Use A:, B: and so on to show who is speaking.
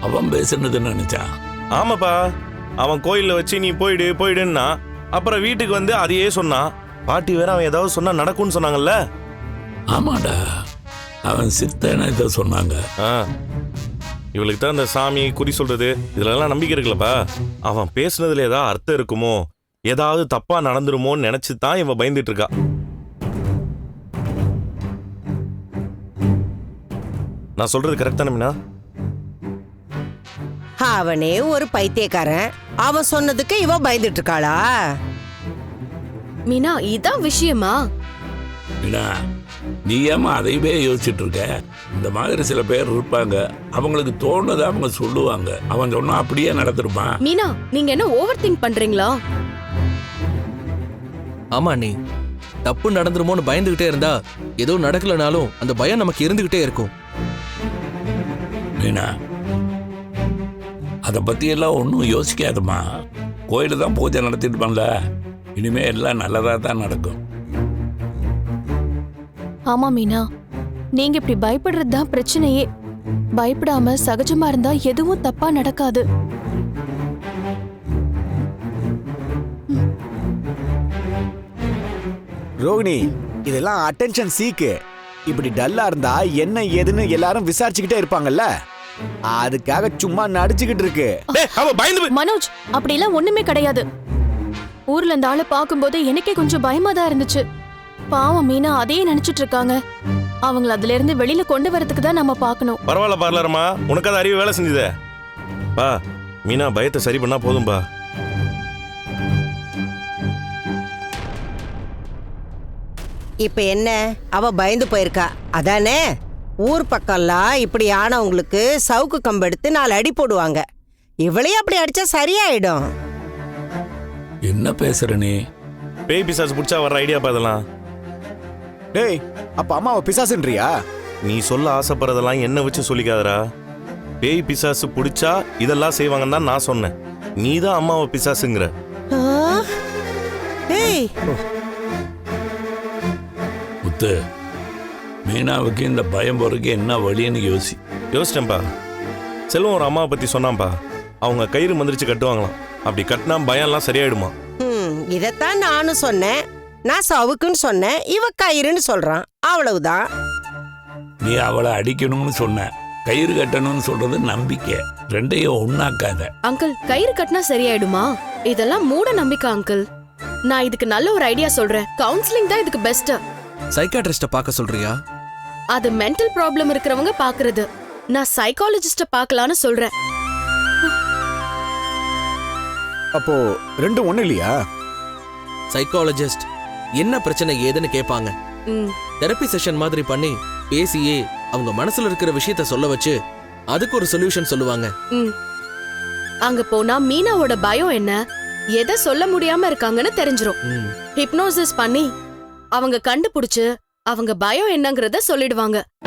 A: அவன் பேசுனதுன்னு நினைச்சான்.
B: ஆமாப்பா, அவன் கோயில்ல வச்சு நீ போயிடுன்னா அப்புறம் வீட்டுக்கு வந்து அதையே சொன்னான். பாட்டி வேற அவன் ஏதாவது சொன்னா நடக்கும்னு சொன்னாங்கல்ல.
A: ஆமாடா, அவன் சித்தன இதை சொன்னாங்க.
B: இவளுக்கு தான் இந்த சாமி குறி சொல்றது இதுலலாம் நம்பிக்கை இருக்குல்லப்பா. அவன் பேசுனதுல ஏதாவது அர்த்தம் இருக்குமோ, ஏதாவது தப்பா நடந்துருமோன்னு நினைச்சு தான் இவன் பயந்துட்டு இருக்கா. நான் சொல்றது கரெக்ட் தானே மீனா?
C: அவனே ஒரு பைத்தியக்காரன், அவன் சொன்னதுக்கு இவ பயந்துட்டு இருக்காளா?
D: மீனா, இதான் விஷயமா?
A: மீனா, நீ ஏமா அதையவே யோசிச்சுட்டு இருக்க? இந்த மாதிரி சில பேர் இருப்பாங்க, அவங்களுக்கு தோணுதை அவங்க சொல்லுவாங்க. அவன் சொன்னா அப்படியே நடந்துருப்பான்.
D: மீனா, நீங்க என்ன ஓவர் திங்க் பண்றீங்களா?
E: ஆமா, நீ தப்பு நடந்துருமோன்னு பயந்துகிட்டே இருந்தா ஏதோ நடக்கலனாலும் அந்த பயம் நமக்கு இருந்துகிட்டே இருக்கும்.
A: மீனா, அதை பத்தி எல்லாம் ஒன்றும் யோசிக்காதுமா. கோயில தான் பூஜை நடத்திட்டு இனிமே எல்லாம் நல்லதா தான் நடக்கும்.
F: ஆமா மீனா, நீங்க இப்படி பயப்படுறது தான் பிரச்சனையே. பயப்படாம சகஜமா இருந்தா எதுவும் தப்பா நடக்காது.
G: ரோகிணி, இதெல்லாம் அட்டென்ஷன் சீக்கு. இப்படி டல்லா இருந்தா என்ன ஏதுன்னு எல்லாரும் விசாரிச்சுக்கிட்டே இருப்பாங்கல்ல, அதுக்காக சும்மா நடிச்சுக்கிட்டு இருக்கு.
F: மனோஜ், அப்படிலாம் ஒண்ணுமே கிடையாது. ஊர்ல இந்த ஆளை பார்க்கும்போது எனக்கே கொஞ்சம் பயமா தான் இருந்துச்சு. பாவம் மீனா அதையே நினைச்சிட்டு இருக்காங்க. அவங்கள அதுல இருந்து வெளியில கொண்டு வரதுக்கு தான் நம்ம பார்க்கணும்.
B: பரவாயில்ல பார்லரம்மா, உனக்கு அது அறிவு வேலை செஞ்சுதே. பா, மீனா பயத்தை சரி பண்ணா போதும்பா.
C: இப்ப என்ன, அவ பயந்து போயிருக்கா அதானே? ஊர் பக்கம்லாம் இப்படி ஆனவங்களுக்கு சவுக்கு கம்பு எடுத்து 4 அடி போடுவாங்க. இவளையும் அப்படி அடிச்சா சரியாயிடும்.
A: என்ன பேசுற நீ?
B: பேய் பிசாசு பிடிச்சா வர்ற ஐடியா பாதலாம்.
G: டேய், அப்ப அம்மாவை பிசாசுன்றியா?
B: நீ சொல்ல ஆசைப்படுறதெல்லாம் என்ன வச்சு சொல்லிக்காதரா. பேய் பிசாசு பிடிச்சா இதெல்லாம் செய்வாங்கன்னு தான் நான் சொன்னேன். நீ தான் அம்மாவை பிசாசுங்கிற.
A: முத்து, மீனாவுக்கு இந்த பயம் போறதுக்கு என்ன வழின்னு
B: யோசிச்சேன்ப்பா. செல்வம் ஒரு அம்மாவை பத்தி சொன்னான்ப்பா. அவங்க கயிறு மந்திரிச்சு கட்டுவாங்களாம். அப்படி கட்டினா பயம்லாம் சரியாயிடுமா.
C: இதத்தான் நானும் சொன்னேன். நான் சவுக்குன்னு சொன்னேன், இவ கயிறுன்னு சொல்றான். அவ்வளவுதான்.
A: நீ அவளை அடிக்கணும்னு சொன்ன, கயிறு கட்டணும்னு சொல்றது நம்பிக்கை. ரெண்டையும் ஒண்ணாக்காத.
D: அங்கிள், கயிறு கட்டினா சரியாயிடுமா? இதெல்லாம் மூட நம்பிக்கை அங்கிள். நான் இதுக்கு நல்ல ஒரு ஐடியா சொல்றேன். கவுன்சிலிங் தான் இதுக்கு பெஸ்ட்.
E: சைக்காட்ரிஸ்ட பார்க்க சொல்றியா?
D: அது மென்டல் ப்ராப்ளம் இருக்கிறவங்க பாக்குறது. நான் சைக்காலஜிஸ்ட பார்க்கலான்னு சொல்றேன்.
G: அப்போ ரெண்டும் ஒண்ணு இல்லையா?
E: சைக்காலஜிஸ்ட் என்ன பிரச்சனை ஏதுன்னு கேட்பாங்க. தெரப்பி செஷன் மாதிரி பண்ணி பேசியே அவங்க மனசுல இருக்கிற விஷயத்த சொல்ல வச்சு அதுக்கு ஒரு சொல்யூஷன் சொல்லுவாங்க.
D: அங்க போனா மீனாவோட பயம் என்ன, எதை சொல்ல முடியாம இருக்காங்கன்னு தெரிஞ்சிரும். ஹிப்னோசிஸ் பண்ணி அவங்க கண்டுபிடிச்சு அவங்க பயம் என்னங்கறத சொல்லிடுவாங்க.